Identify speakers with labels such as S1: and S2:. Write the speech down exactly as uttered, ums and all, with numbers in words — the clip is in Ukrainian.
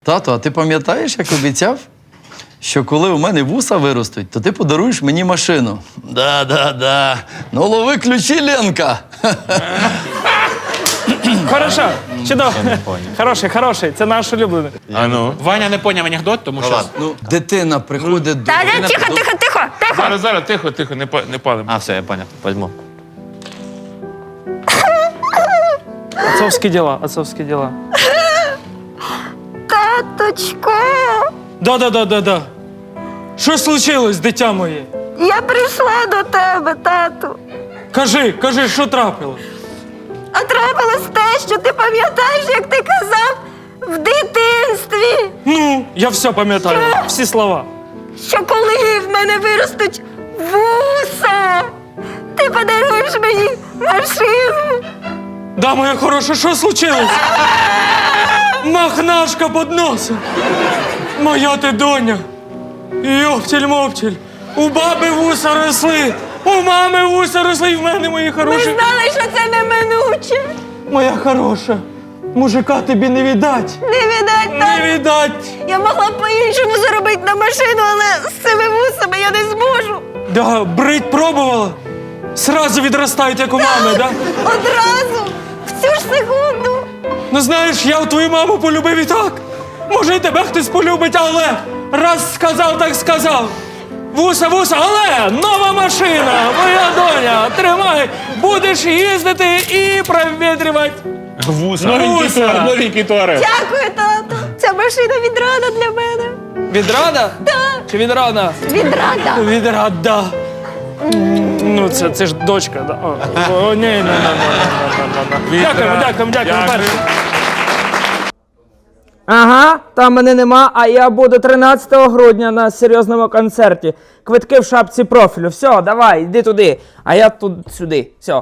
S1: Тато, а ти пам'ятаєш, як обіцяв, що коли у мене вуса виростуть, то ти подаруєш мені машину? Да, да, да. Ну лови ключі, Ленка.
S2: Хорошо, чудово. Хороший, хороший, це наш улюблений.
S3: А ну.
S4: Ваня не поняв анекдот, тому що...
S1: Ну, дитина приходить до...
S5: Та не, тихо, тихо, тихо, тихо.
S3: Зараз, зараз, тихо, тихо, не, па- не палимо.
S4: А, все, я поняв, возьму.
S2: Отцовські діла, отцовські діла.
S5: Таточко,
S2: Да-да-да-да-да. Що случилось, дитя моє?
S5: я прийшла до тебе, тату.
S2: Кажи, кажи, що трапилось?
S5: А трапилось те, що ти пам'ятаєш, як ти казав в дитинстві,
S2: Ну, я все пам'ятаю, всі слова.
S5: що коли в мене виростуть вуса, ти подаруєш мені машину.
S2: Да, моя хороша, що случилось? Махнашка під носом. Моя ти доня. Йоптіль-моптіль. У баби вуса росли, у мами вуса росли, і в мене, мої
S5: Ми
S2: хороші.
S5: знали, що це неминуче.
S2: Моя хороша, мужика тобі не віддать.
S5: Не віддать,
S2: Не
S5: тату.
S2: віддать.
S5: Я могла б по-іншому заробити на машину, але з цими вусами я не зможу.
S2: Да, брить пробувала? Сразу відростають, як у мами, да?
S5: Одразу, в цю ж секунду.
S2: Ну знаєш, я твою маму полюбив і так. Може, і тебе хтось полюбить, але раз сказав, так сказав. Вуса, вуса, але нова машина, моя доня, тримай, будеш їздити і провітрювати.
S3: Вуса.
S2: Новенький туалет,
S3: Новенький туалет.
S5: Дякую, тату. Ця машина відрада для мене.
S2: Відрада?
S5: Так.
S2: Чи відрада?
S5: Відрада.
S2: Відрада. Ну, це, це ж дочка, да. О, о, ні, ні, ні, ні, ні, ні, ні. Дякуємо, дякуємо, дякуємо.
S3: Дякую.
S2: перше.
S6: Ага, там мене нема, а я буду тринадцятого грудня на серйозному концерті. Квитки в шапці профілю. Все, давай, йди туди. А я тут сюди. Все.